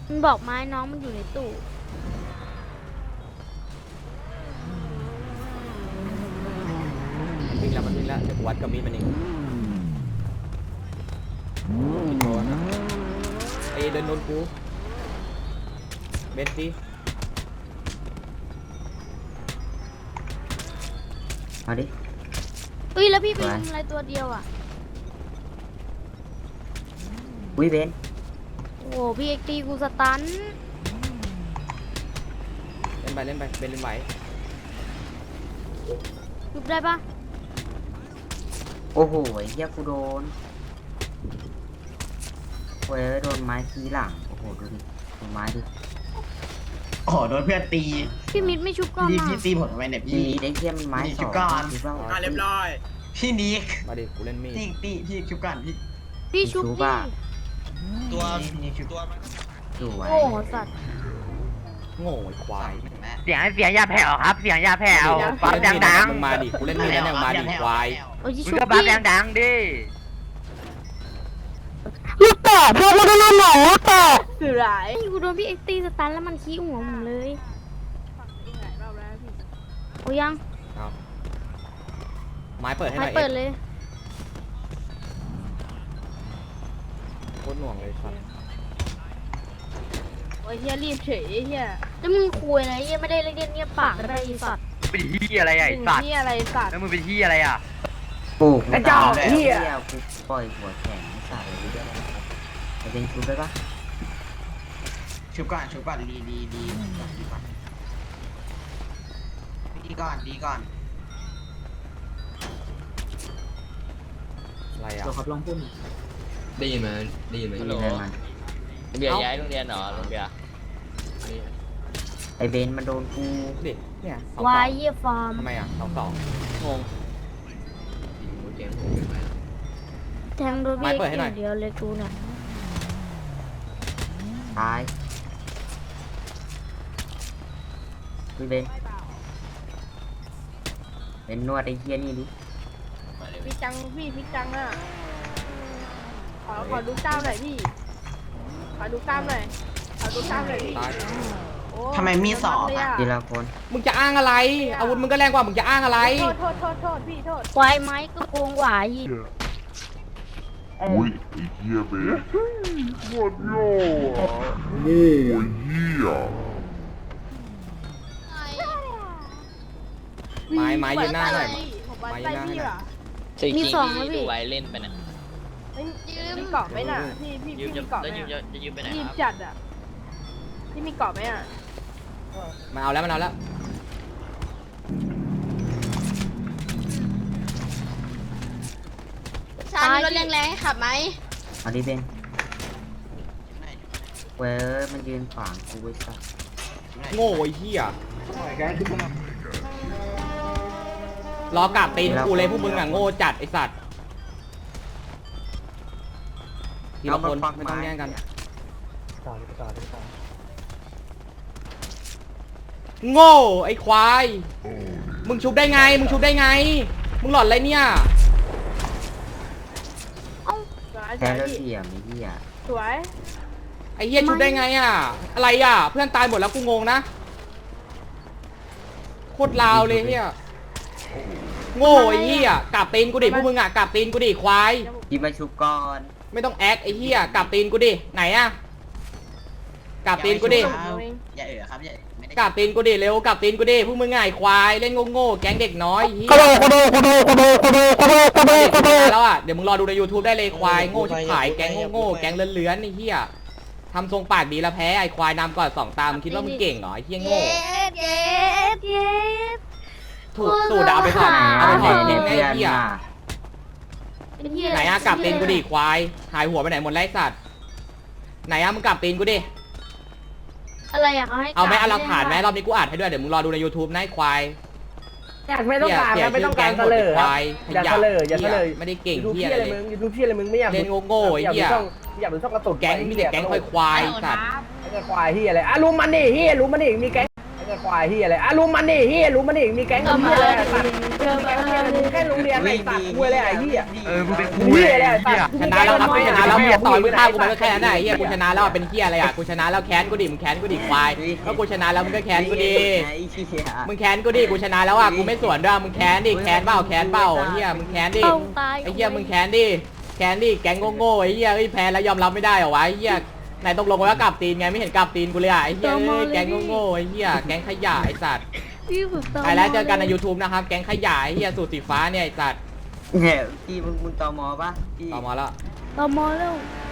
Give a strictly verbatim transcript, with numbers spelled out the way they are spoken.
มันบอกไม้น้องมันอยู่ในตู้วิ่งแล้วมันวิ่งแล้วเดี๋ยวกูวัดกับมีดมันเองกินโดนไอ้เดินโดนกูเบนซี่มาดิเฮ้ยแล้วพี่ไปทำอะไรตัวเดียวอ่ะวิเบนโอ้พี่เอ็กตีกูสตันเล่นไปเล่นไปเบนเล่นไหวยุบได้ปะโอ้โหไอ้เหี้ยกูโดนเว้ยโดนไม้ทีหลังโอ้โหดูดิโดนไม้ดิโอ้โหโดนเพื่อนตีพี่มิดไม่ชุบก่อนพี่นะพี่ตีผมทำไมเนี่ยทีพี่นี้ได้เทียมมันไม้สองคิดว่าเรียบร้อยพี่นิกมาดิกูเล่นมีดตีตีพี่ชุบกันพี่พี่ชุบดิตัวพี่นิกชุบตัวมันดูไว้โอ้สัตว์โง่ไอ้ควายเสียงเสียงยาแผ่วครับเสียงยาแผ่วปั๊บดังมึงมาดิกูเล่นมีดแล้วเนี่ยมาดิควายโอ้ยๆมึงชุบก็ปั๊บดิดังๆดิลูกแต่พวกมันโดนหนองลูกแต่คือไรกูโดนพี่เอ็กตีสตันแล้วมันขี้หัวผมเลยโอ้ยังเอาไม้เปิดให้หไม่น่อยเปิดเลยโคตรหน่วงเลยครับโอ้ยเฮียรีบเฉยเฮียแล้วมึงคุยอะไรเฮียไม่ได้เล่นเงียบปากก็ได้สัตว์เป็นที่อะไรอ่ะไอ้สัตว์เฮียอะไรสัตว์แล้วมึงเป็นที่อะไรอ่ะปลูกกระจอกเหี้ยกูปล่อยหัวแข็งไม่ใส่เลยเดี๋ยวจะเป็นชุดได้ปะชุบก่อนชุบก่อนดีดีดีดีก่อนดีก่อนดีก่อนอะไรอ่ะตัวครับลองพูดได้ยินไหมได้ยินไหมไม่มีอะไรมันเบียร์ย้ายโรงเรียนเหรอโรงเรียนไอเบนมันโดนกูดิเนี่ยสองวาสอย งเยี่ยฟอร์มทำไมอ่ะสองสองงงเกมผมเป็นไงแทงโดนพี่ไม้เปิดให้หน่อยเดียวเลยกูเนี่ยตายวิเบนเป็นนวดไอ้เหี้ยนี่ดิพี่จังพี่พี่จังอ่ะขอขอดูกล้ามหน่อยพี่ขอดูกล้ามหน่อยขอดูกล้ามหน่อยพี่ตายโอ้ทำไมมีสองเลยอ่ะอะทีละคนมึงจะอ้างอะไรอาวุธมึงก็แรงกว่ามึงจะอ้างอะไรโทษโทษโทษโทษพี่โทษควายไม้ก็โกงหวายอีกอุ้ยไอ้เหี้ยเบสหมดโง่อะโง่ไอ้เหี้ยไม้ไม้ยืนหน้าหน่อยผมว่าไม้ยืใจนหน้าให้พี่หน่อยว่ะจริงมีจริงสองแล้วที่ดูพี่ไว้เล่นไปนะเอ้ยมีเกาะไหมน่ะพี่พี่ยืพี่มมีจะเกาะไหมจะยืมอะจะยืมไปไหนรีบครับจัดอ่ะพี่มีเกาะไหมอ่ะมาเอาแล้วมันเอาแล้วชามีรถแรงๆให้ขับไหมเอาดิเบนเว้ยมันยืนขวางกูไว้สัสโง่ไอ้เหี้ยรอกราบตีนกูเลยพวกมึงอ่ะโง่จัดไอ้สัตว์ทีละคนไม่ต้องแย่งกันโง่ไอ้ควายมึงชุบได้ไงมึงชุบได้ไงมึงหลอนอะไรเนี่ยสวยแพ้สวยแล้วพี่เสียไม่เหี้ยสวยไอ้เหี้ยชุบได้ไงอ่ะอะไรอ่ะเพื่อนตายหมดแล้วกูงงนะโคตรลาวเลยเหี้ยโง่ไอ้เหี้ยกราบตีนกูดิพวกมึงอ่ะกราบตีนกูดิควายพี่มาชุบก่อนไม่ต้องแอคไอ้เหี้ยกราบตีนกูดิไหนอะกราบตีนกูดิอย่าเอ๋อครับอย่าไม่ได้กราบตีนกูดิเร็วกราบตีนกูดิพวกมึงง่ายควายเล่นโง่ๆแก๊งเด็กน้อยเหี้ยแล้วอ่ะเดี๋ยวมึงรอดูใน YouTube ได้เลยควายโง่ชิบหายแก๊งโง่ๆแก๊งเลื้อนๆไอ้เหี้ยทำทรงปากดีแล้วแพ้ไอ้ควายนำก่อนสองตามคิดว่ามึงเก่งเหรอไอ้เหี้ยโง่เย็ดเย็ดถูกสูดเอาไปถอดเอาไปถอดทิ้งไอ้เหี้ยเป็นเหี้ยไหนอะกราบตีนกูดิควายหายหัวไปไหนหมดไร้สัตว์ไหนอะมึงกราบตีนกูดิอะไรอะเขาให้เอาไหมกรเอาหลักฐานไหมรอบนี้กูอัดให้ด้วยเดี๋ยวมึงรอดูใน YouTube นะไอ้ควายอยากไม่ต้องการเสียนะไม่ต้องการชื่เสอลแก๊องหมดครับควายอย่าเสลออย่าเสลอไม่ได้เก่งยูทูบเหี้ยพี่อะอะไร ไรเลยมึงยูทูบพี่อะไรมึงไม่อยากเล่นโง่ๆไอ้เหี้ยอยากดูช่องกระตุกแก๊งมีแต่แก๊งควายควายสัตว์ไอ้ควายเฮียอะไรอ่ะรู้มันดิเฮียรู้มันดิมีแก๊งจะควายเฮียอะไรอ่ะลุมมันดิเฮียลุมมันดิมีแก๊งเอามาเฮียอะไรดิสัตว์เจอมาดิแค่โรงเรียนไอ้สัตว์คุยเลยไอ้เฮียเออมึงเป็นเฮียอะไรไอ้สัตว์ชนะแล้วครับกูชนะแล้วมึงอย่าต่อยมึงฆ่ากูไปก็แค่นั้นแหละไอ้เหี้ยกูชนะแล้วเป็นเหี้ยอะไรอ่ะกูชนะแล้วแค้นกูดิมึงแค้นกูดิควายก็กูชนะแล้วมึงก็แค้นกูดิไอ้เหี้ยมึงแค้นกูดิกูชนะแล้วอ่ะกูไม่สวนด้วยมึงแค้นดิแค้นเปล่าแค้นเปล่าเหี้ยมึงแค้นดิต้องตายไอ้เหี้ยมึงแค้นดิแค้นดิแก๊งโง่ๆไอ้เหี้ยเอ้ยแพ้แล้วยอมรับไม่ได้เหรอวะไอ้เหี้ยไหนตกลงกันว่ากลับตีนไงไม่เห็นกลับตีนกูเลยอ่ะไอ้เหี้ยเอ้ยแก๊งโง่ๆไอ้เหี้ยแก๊งขยะไอ้สัตว์พี่ฝึกตไปแล้วเจอกันใน YouTube นะครับแก๊งขยะไอ้เหี้ยสูตรสีฟ้าเนี่ยไอ้สัตว์เนี่ยพี่มึงมึงตอมอปะพี่ต่อมาแล้วตอมอแล้วเ